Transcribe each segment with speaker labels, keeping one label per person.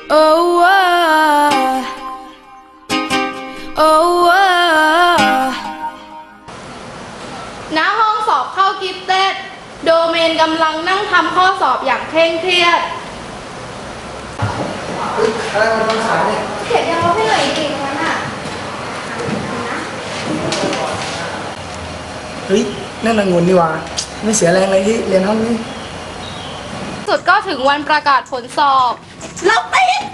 Speaker 1: Oh, oh,
Speaker 2: ณห้องสอบเข้ากิฟเต็ดโดเมนกำลังนั่งทำข้อสอบอย่างเคร่งเครียด
Speaker 3: อะไรมันต้องขายเนี่ย
Speaker 2: เขียนยังลบให้หน่อยดิตรงนั้นอ่ะ
Speaker 3: เฮ้ยนั่นนางงุนนี่หว่าไม่เสียแรงเลยที่เรียนห้องนี้
Speaker 2: สุดก็ถึงวันประกาศผลสอบเราติด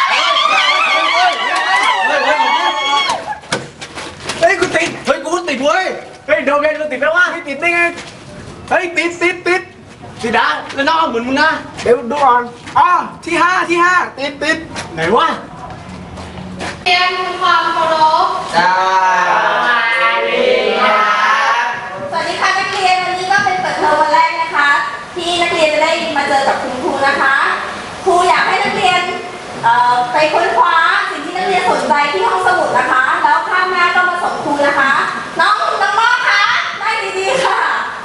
Speaker 3: เฮ้ยกูติดเฮ้ยกูติดเว้ยเฮ้ยโดมเรียนกูติดแล้ววะไม่ติดได้ไงเฮ้ยติดนะแล้วน้องเหมือนมึงนะเดี๋ยวดูก่อนอ๋อที่ห้าติดไหนวะ
Speaker 2: เรียนความเคารพ
Speaker 3: สวัสดี
Speaker 4: สวัสดีค่ะนักเรียนวันนี้ก็เป็นเปิดเทอมวันแรกนะคะที่นักเรียนจะได้มาเจอกับคุณครูนะคะครูอยากให้นักเรียนไปค้นคว้าสิ่งที่นักเรียนสนใจที่ห้องสมุดนะคะแล้วข้ามหน้าก็มาส่งครูนะคะน้องมอคะได้ดีๆค่ะ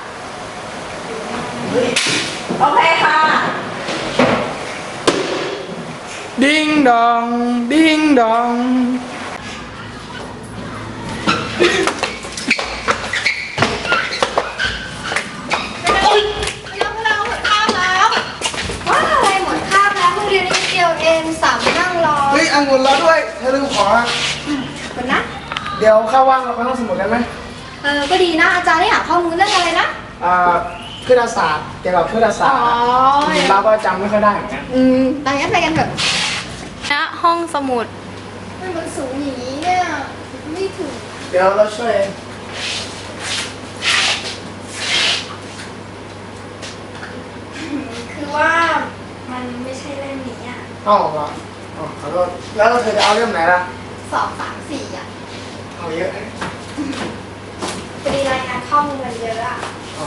Speaker 4: โอเคค่ะ
Speaker 3: ดิ้งดองดิ้งดองเฮ้ยองุ่นรอด้วยเธอลืมขอ
Speaker 4: เป็นนะ
Speaker 3: เดี๋ยวเข้าว่างเราไปห้องสมุดกันไหม
Speaker 4: ก็ดีนะอาจารย์ได้หาข้อมูลเรื่องอะไรนะ
Speaker 3: คณิตศาสตร์เกี่ยวกับคณิตศาสตร์เราก็จำไม่ค่อยได้เหมือนกัน
Speaker 4: แต่งั้นไปกันเถอะ
Speaker 2: ณห้องสมุด
Speaker 4: มันสูงอย่างนี้เนี่ยไม่ถึง
Speaker 3: เดี๋ยวเราช่วย
Speaker 4: คือว่ามันไม่ใช่เล่มนี้อ่ะ
Speaker 3: อ๋อเหรอขอโทษแล้วเธอจะเอาเล่มไหนล่ะ
Speaker 4: 2 3 4อ่ะ
Speaker 3: เอาเยอะ
Speaker 4: พอดีรายงานข้อมูลมันเยอะอ่ะ
Speaker 3: อ๋อ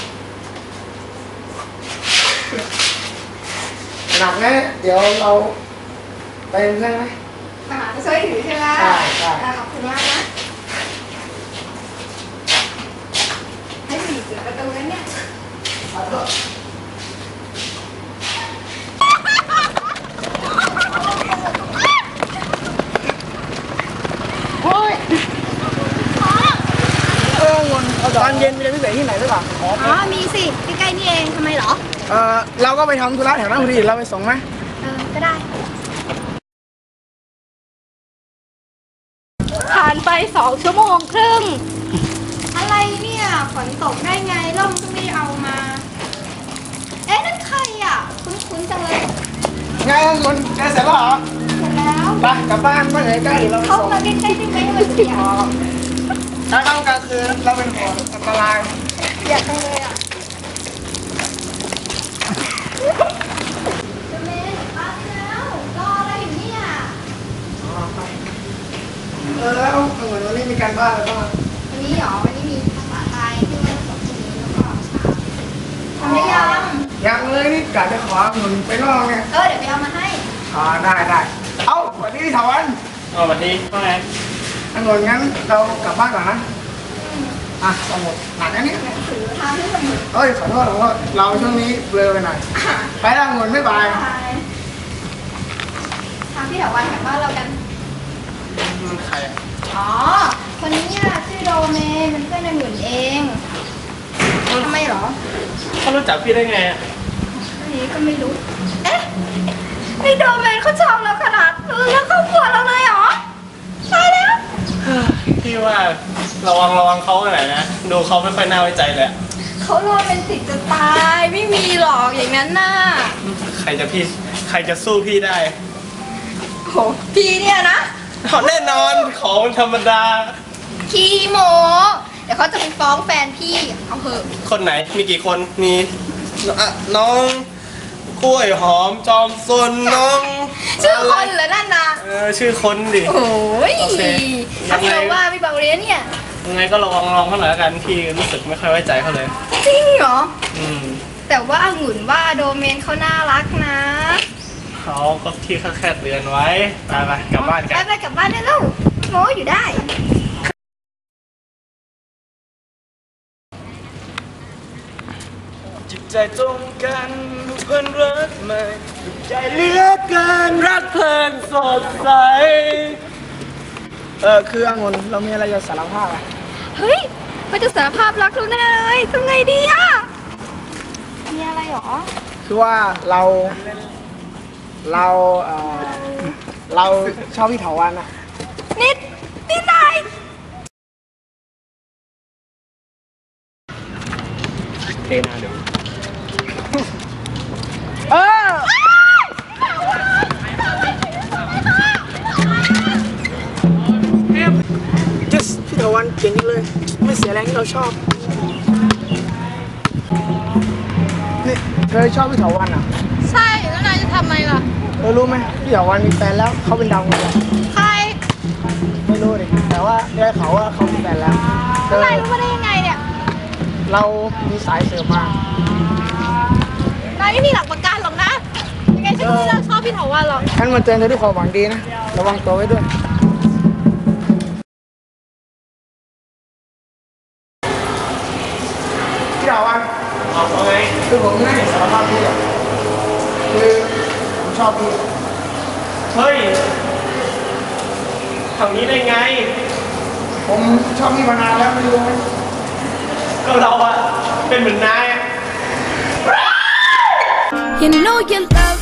Speaker 3: หนักแน่เดี๋ยวเราไปเพื่อนไหม
Speaker 4: จะช่วยถือใช่ไหม
Speaker 3: ใช่
Speaker 4: ขอบคุณมากนะให้ผีเสือประตูนั้นเนี่ย
Speaker 3: ขอโทษตอนเย็นมีอะไรพิเศษที่ไหนหรือเปล่า
Speaker 4: มีสิใกล้ๆนี่เองทำไมเหรอ
Speaker 3: เราก็ไปทำธุระแถวนั้นพอดีเราไปส่งไหม
Speaker 4: ก็ได้
Speaker 2: ผ่านไป2 ชั่วโมงครึ่ง
Speaker 4: อะไรเนี่ยฝนตกได้ไงร่มก็ไม่เอามานั่นใครอ่ะคุ้นๆจังเลย
Speaker 3: ไงคุณเสร็จแล้วเหรอ
Speaker 4: เสร็จแล้ว
Speaker 3: ไปกลับบ้านเมื่อไหร่ใกล้เรา
Speaker 4: เข้ามาใกล้ๆได้ไหมมันเสีย
Speaker 3: ถ้าเข้ากลางคืนเราเป็นห่วงอันตราย
Speaker 4: อยากจังเลยอ่ะเมนมาแล้วรออะไรอยู่เนี่ย
Speaker 3: แล้วเหมือนวันนี้มีการบ้านอะไรบ้าง
Speaker 4: วันนี้หรอวันนี้มีภาษาไทยที่วันศุกร์นี้แล้วก็ทำได้
Speaker 3: ยังเลยนี่กะจะขอเงินไปลองไง
Speaker 4: เดี๋ยวไปเอามาให้
Speaker 3: ได้เอ้าสวัสดีถวัน
Speaker 5: สวัสดีว่าไง
Speaker 3: เงินงั้นเรากลับบ้านก่อนนะสมุดหนักอันนี้
Speaker 4: ถือทางที่สมุด
Speaker 3: ขอโทษเราช่วงนี้เบลอไปหน่อยไปแล้วเงินไม่บาย
Speaker 4: ทางที่แถววันแถวบ้านเรากัน
Speaker 3: มันใคร
Speaker 4: คนนี้ชื่อโดเมนเป็นเพื่อนในหมุนเองทำไมหรอ
Speaker 5: เขารู้จักพี่ได้ไง
Speaker 4: อันนี้ก็ไม่รู้ไอโดเมนเขาชอบเราขนาดแล้วเขาปวดเราเลยหรอตายแล้ว
Speaker 5: พี่ว่าระวังเขาหน่อยนะดูเขาไม่ค่อยน่าไว้ใจเลย
Speaker 4: เขาโรแมนติกจะตายไม่มีหรอกอย่างนั้นน่ะ
Speaker 5: ใครจะสู้พี่ได้
Speaker 4: โหพี่เนี่ยนะ
Speaker 5: แน่นอนของธรรมดา
Speaker 4: ขี้โมเดี๋ยวเขาจะไปฟ้องแฟนพี่เอาเถอะ
Speaker 5: คนไหนมีกี่คนมีน้องกล้วยหอมจอมซนน้อง
Speaker 4: ชื่อคนเหรอนั่นนะ
Speaker 5: ชื่อคนดิ
Speaker 4: โอ้ยถ้าพี่บอกว่าพี่เบาเรียนเนี่ย
Speaker 5: ยังไงก็ลองเขาหน่อยละกันพี่รู้สึกไม่ค่อยไว้ใจเขาเลย
Speaker 4: จริงเหรอแต่ว่าองุ่นว่าโดเมนเขาน่ารักนะ
Speaker 5: เขาก็ที่แค่เตือนไว้ไปกลับบ้านกัน
Speaker 4: ไปกลับบ้านได้แล้วโง่อยู่ได้
Speaker 3: จิตใจตรงกันเพื่อนรัก
Speaker 5: ไม่ใจเหลือเกินรักเพลินสดใส
Speaker 3: คือองุ่นเรามีอะไรจะสารภาพอ่ะ
Speaker 2: เฮ้ยมันจะสารภาพรักเราแน่เลยทำไงดีอะมีอะไรหรอ
Speaker 3: คือว่าเราชอบพี่เถาวันอ่ะ
Speaker 2: นี่นาย
Speaker 5: เทนาเดี๋ยว
Speaker 3: เออพี่เถาวันเก่งเลย ไม่เสียแรงที่เราชอบ นี่เธอชอบพี่เถาวันอ่ะ
Speaker 2: ใช่แล้วนายจะทำไมล่ะ
Speaker 3: รู้ไหมพี่เถาวันมีแฟนแล้วเขาเป็นดาวเลย
Speaker 2: ใคร
Speaker 3: ไม่รู้ดิแต่ว่าได้เขาว่าเขามีแฟนแล้วเธ
Speaker 2: แล้ว
Speaker 3: อน
Speaker 2: ายรู้มาได้ยังไงเนี่ย
Speaker 3: เรามีสายเสริมมา
Speaker 2: นายไม่มีหลักประกันหรอกนะยังไงฉันก็ไม่เลิกชอบพี่เถาวันหรอก
Speaker 3: ฉันมาเตือนเธอด้วยความหวังดีนะระวังตัวไว้ด้วยพี่เถาวัน
Speaker 5: เอาไง
Speaker 3: คือผมไม่ได้สารภาพพี่อ่ะคือผมชอบพี่
Speaker 5: เฮ้ยทำนี้ได้ไง
Speaker 3: ผมชอบพี่มานานแล้วไม่รู้ไหม
Speaker 5: ก็เราอะเป็นเหมือนนายอะ
Speaker 1: You know you love